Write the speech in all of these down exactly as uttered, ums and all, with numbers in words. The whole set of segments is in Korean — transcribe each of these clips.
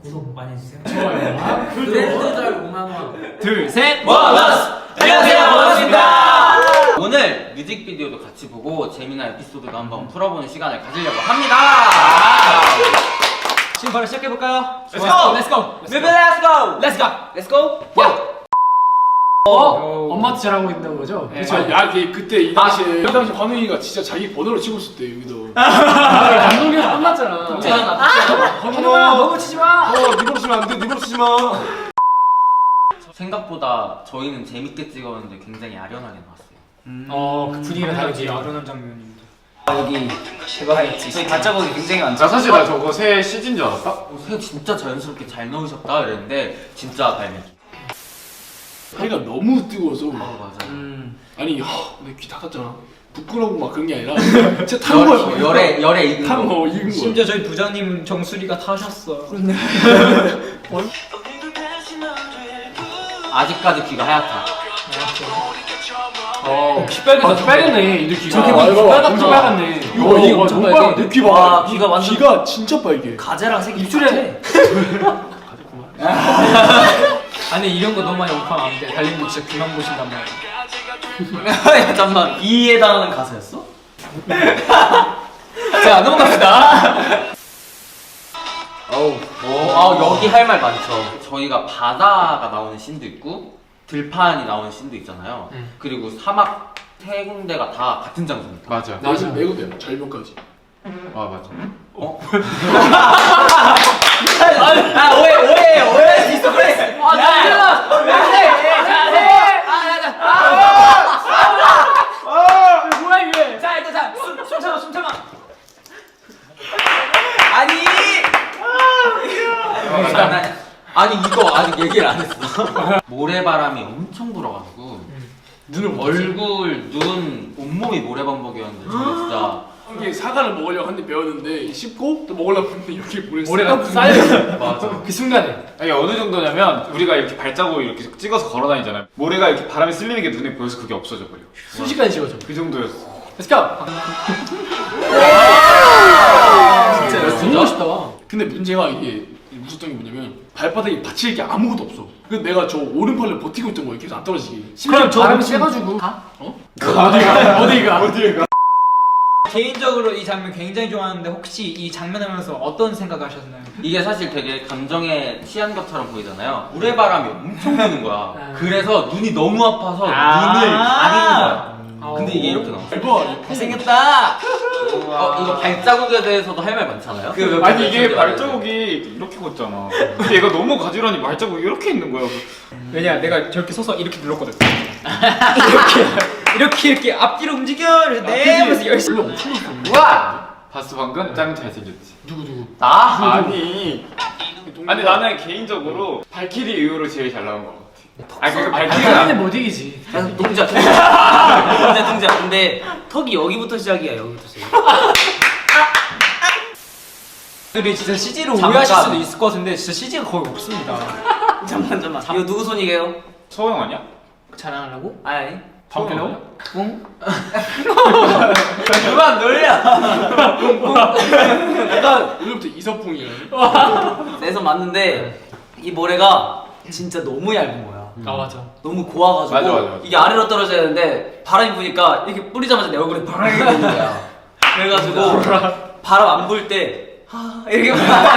구독 많이 해주세요. 좋아요. 브랜드달 오만 원. 둘, 셋. 원어스! 안녕하세요, 원어스입니다. 오늘 뮤직비디오도 같이 보고 재미난 에피소드도 한번 풀어보는 시간을 가지려고 합니다. 지금 바로 시작해볼까요? Let's go! Let's go! 뮤비 let's go! Let's go! Let's go! 야! 어? 엄마한테 잘하고 있는 거죠? 그쵸. 아, 이 그때 이 당시에 이 당시 환웅이가 진짜 자기 번호를 치고 있을 때 여기도. 감독님에서 끝났잖아. 환웅아 너무 치지 마. 어, 니 번호 치면 안 돼. 니 번호 치지 마. 생각보다 저희는 재밌게 찍었는데 굉장히 아련하게 나왔어요. 음. 어, 그 분위기가 다르지. 아련한 장면입니다. 여기 대박이었지. 저희 발자국이 굉장히 많죠. 나 사실 나 저거 새 씨지인 줄 알았다. 어, 새 진짜 자연스럽게 잘 넣으셨다 이랬는데 진짜 발매. 해가 너무 뜨거워서. 어 맞아. 음. 아니, 내 귀 닦았잖아. 부끄러고 막 그런 게 아니라 진짜 탄 거야. 열에 열에 익은 거. 탄 거, 익은 거. 심지어 저희 부장님 정수리가 타셨어. 아직까지 귀가 하얗다. 어, 피 빨개졌다. 피 빨갛네. 이들 귀가. 저렇게 피 빨갛다. 빨갛다. 진짜. 빨갛네. 이거 이거 엄청 너무 빨개. 빨개. 내귀 봐. 와, 귀가 완전- 귀가 진짜 빨개. 가재랑 색이 입술에. 아니 이런 거 너무 많이 오파면 안 돼. 달님도 진짜 귀만 보신단 말이야. 야, 잠깐만 이에 해당하는 가사였어? 자 넘어갑시다. 어우, 아 여기 할 말 많죠. 저희가 바다가 나오는 씬도 있고 들판이 나오는 씬도 있잖아요. 음. 그리고 사막 세 군데가 다 같은 장소입니다. 맞아. 네. 나는 매우 돼요. 절벽까지. 아 맞아. 어? 아 오해 오해 오해 있어 그래. 아 잠시만. 뭐야 이게? 자 일단 자 숨, 숨 참아 숨 참아. 아니. 아, 장난. 아니 이거 아직 얘기를 안 했어. 모래바람이 엄청 불어가지고 눈을 못 얼굴, 눈, 온몸이 모래반복이었는데 저는 진짜 이게 사과를 먹으려고 한 대 배웠는데 씹고 또 먹으려고 했는데 여기 모래 모래가 쌓여. 맞아. 그 순간에. 아니 어느 정도냐면 우리가 이렇게 발자국 이렇게 찍어서 걸어 다니잖아요. 모래가 이렇게 바람에 쓸리는 게 눈에 보여서 그게 없어져 버려. 순식간에 지워져. 그 정도였어. Let's go. 진짜 너무 멋있다. 근데 문제가 이게 무섭던 게 뭐냐면 발바닥에 받칠 게 아무것도 없어. 그래서 내가 저 오른팔을 버티고 있던 거야. 계속 안 떨어지게. 그럼 저 바람이 지금- 세가지고. 어? 어디가? 어디가? 어디가? 개인적으로 이 장면 굉장히 좋아하는데 혹시 이 장면 하면서 어떤 생각하셨나요? 이게 사실 되게 감정에 취한 것처럼 보이잖아요. 모래바람이 엄청 부는 거야. 아. 그래서 눈이 너무 아파서 아. 눈을 가리는 거야. 어. 근데 이게 이렇게 나와. 대박. 잘생겼다. 어, 이거 발자국에 대해서도 할 말 많잖아요. 그 아니 이게 발자국이 이렇게 걷잖아. 근데 얘가 너무 가지런히 발자국이 이렇게 있는 거야. 왜냐 내가 저렇게 서서 이렇게 눌렀거든. 이렇게 이렇게 이렇게 앞뒤로 움직여. 그래서 네 하면서 열심히. 원래 엄청 높은 와! 봤어 방금? 짱 잘생겼지. 누구 누구? 나? 아니. 아니 나는 개인적으로 발키리 이후로 제일 잘 나온 것 같아. 아니 그 발키리가 발키리는 못 이기지. 동자 동자 동자. 근데 턱이 여기부터 시작이야. 여기부터 시작. 들이 진짜 씨지로 잠깐. 오해하실 수도 있을 것 같은데 진짜 씨지가 거의 없습니다. 잠만 잠만. 이거 누구 손이게요? 서영 아니야? 자랑하려고? 아니. 서영 응? 그만 놀려. 약간 오늘부터 이서풍이야. 내 손 맞는데 이 모래가 진짜 너무 얇은 거야. 아 맞아. 너무 고와가지고 맞아, 맞아, 맞아. 이게 아래로 떨어져야 되는데 바람이 부니까 이렇게 뿌리자마자 내 얼굴에 바람이 부는 거야. 그래가지고 바람 안 불 때 하 이렇게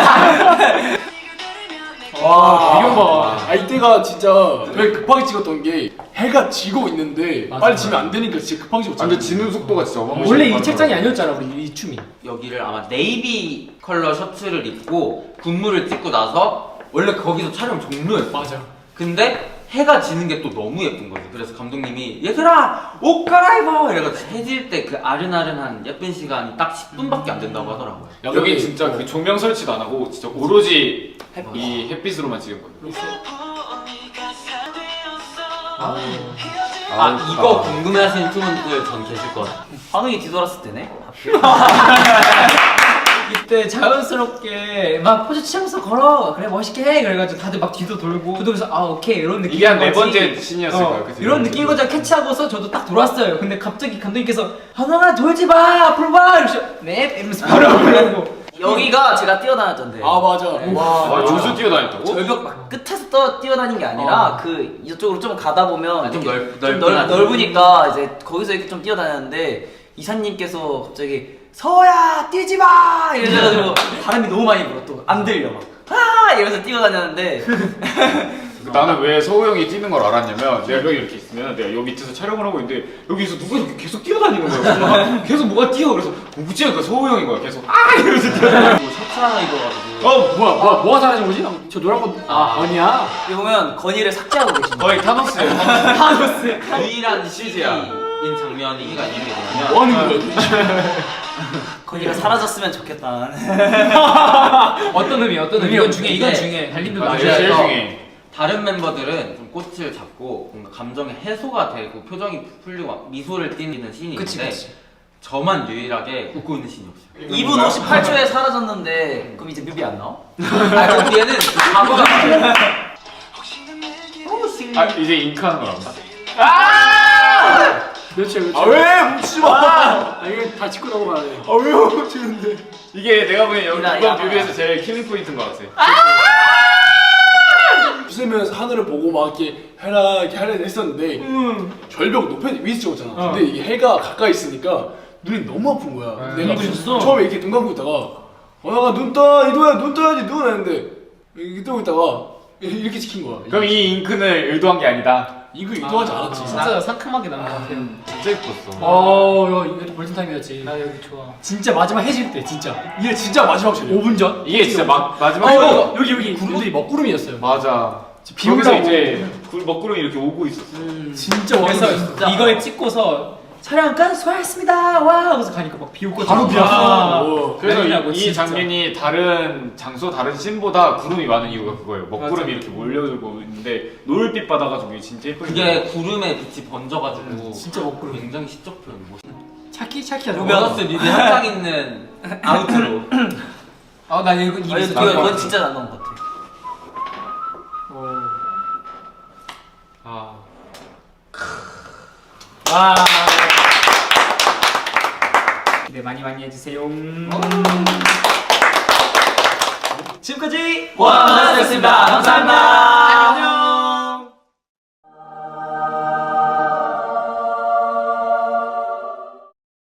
와, 이런 봐. 아, 이때가 진짜 되게 급하게 찍었던 게 해가 지고 있는데 맞아. 빨리 지면 안 되니까 진짜 급하게 찍었잖아. 아, 근데 지는 속도가 진짜 어마무시해. 원래 이 책장이 아니었잖아 우리 이 춤이. 여기를 아마 네이비 컬러 셔츠를 입고 군무를 찍고 나서 원래 거기서 촬영 종료였어. 맞아. 근데 해가 지는 게 또 너무 예쁜 거지. 그래서 감독님이 얘들아 옷 갈아입어 이래가지고 해질 때 그 아른아른한 예쁜 시간이 딱 십 분밖에 안 된다고 하더라고요. 야, 여기 근데 진짜 그 조명 설치도 안 하고 진짜 오로지 이 햇빛으로만 찍은 거예요. 아, 아, 이거 궁금해하시는 팀원들 전 계실 것 같아요. 환웅이 뒤돌았을 때네. 이때 자연스럽게 막 포즈 취하면서 걸어 그래 멋있게 해 그래가지고 다들 막 뒤도 돌고 저도 그래서 아 오케이 이런 느낌 이게 한 네 번째 씬이었을 거예요. 그치? 이런 느낌인 거죠. 캐치하고서 저도 딱 돌았어요. 근데 갑자기 감독님께서 하나나 돌지 마 앞으로 봐 이러셔 네 이러면서 바로 올라오고 여기가 제가 뛰어다녔던데. 아 맞아. 와 여기서 뛰어다녔다고? 절벽 막 끝에서 떠 뛰어다닌 게 아니라 그 이쪽으로 좀 가다 보면 아, 좀 이렇게 넓- 좀 넓긴 넓, 하죠. 넓으니까 이제 거기서 이렇게 좀 뛰어다녔는데 이사님께서 갑자기 서호야 뛰지 마 이래가지고 바람이 너무 많이 불어 또 안 들려 막 아 이러면서 뛰어다녔는데 나는 왜 서우 형이 뛰는 걸 알았냐면 내가 여기 이렇게 있으면 내가 여기 밑에서 촬영을 하고 있는데 여기서 누가 이렇게 계속 뛰어다니는 거야. 그래서 막 계속 뭐가 뛰어. 그래서 무지하니까 서우 형인 거야. 계속 아 이러면서 뛰어다니고. 셔츠 하나 입어가지고 어 뭐야 뭐야 뭐가 사라진 거지? 저 노란 거 아, 아니야. 여기 보면 건이를 삭제하고 계신 거예요. 거의 타노스예요. 타노스. 유일한 시즈인 장면이 이게 있는 게 뭐냐면 뭐 하는 거야? 건이가 사라졌으면 좋겠다. 어떤 의미 어떤 의미? 이건 중에 이건 네. 중에 달님들 맞아, 맞아. 제일 그래서 중에. 다른 멤버들은 좀 꽃을 잡고 뭔가 감정의 해소가 되고 표정이 풀리고 막 미소를 띠는 씬이 그치, 있는데 그치. 저만 유일하게 웃고 있는 씬이 없어요. 이 분 오십팔 초에 사라졌는데 그럼 이제 뮤비 안 나와? 아, 그 뒤에는 그 과거가 아 이제 잉크하는 거 나온다. 그렇지 그렇지. 아왜 뭉치지 마. 아 이거 다 짚고 넘어가야 돼. 아왜 뭉치는데? 이게 내가 보기엔 여기 야, 이번 야. 뮤비에서 제일 킬링 포인트인 것 같아. 웃으면서 하늘을 보고 막 이렇게 해라 이렇게 하려 했었는데 절벽 높은 위에서 찍었잖아. 어. 근데 이 해가 가까이 있으니까 눈이 너무 아픈 거야. 아, 내가 눈이 부셨어? 처음에 이렇게 눈 감고 있다가 어나가 눈 떠, 이도야 눈 떠야지 눈 했는데 이렇게 뜨고 있다가 이렇게 찍힌 거야. 그럼 이 잉크는 의도한 게 아니다. 이거 이도하지 않았지. 진짜 상큼하게 나온 것 같아요. 진짜 예뻤어. 어 이거 이거 골든 타임이었지. 나 여기 좋아. 진짜 마지막 해질 때 진짜 이게 진짜 마지막 씬이야. 오 분 전. 이게 진짜 막 마지막. 어 이거 여기 여기 구름들이 먹구름이었어요. 맞아. 비 거기서 온다고. 이제 굴- 먹구름이 이렇게 오고 있었어. 진짜 그래서 멋있었어. 이걸 찍고서 촬영 끝 수고하셨습니다. 와 하고서 가니까 막 비 오고 바로 아, 비왔어. 오. 그래서 난리나고, 이, 이 진짜. 장면이 다른 장소 다른 씬보다 구름이 많은 이유가 그거예요. 먹구름이 맞아. 이렇게 몰려들고 있는데 노을빛 받아가지고 이게 진짜 예쁘게. 그게 구름에 빛이 번져가지고 진짜 먹구름. 굉장히 시적 표현 멋있어. 차키 차키야. 보너스 뮤비 한장 있는 아우트로 아나 이거 아, 입에서 이거 나올 것 이건 같아. 진짜 안 나온 것 같아. 아. 와. 기대 많이 많이 해주세요. 지금까지 와, 고생하셨습니다. 감사합니다.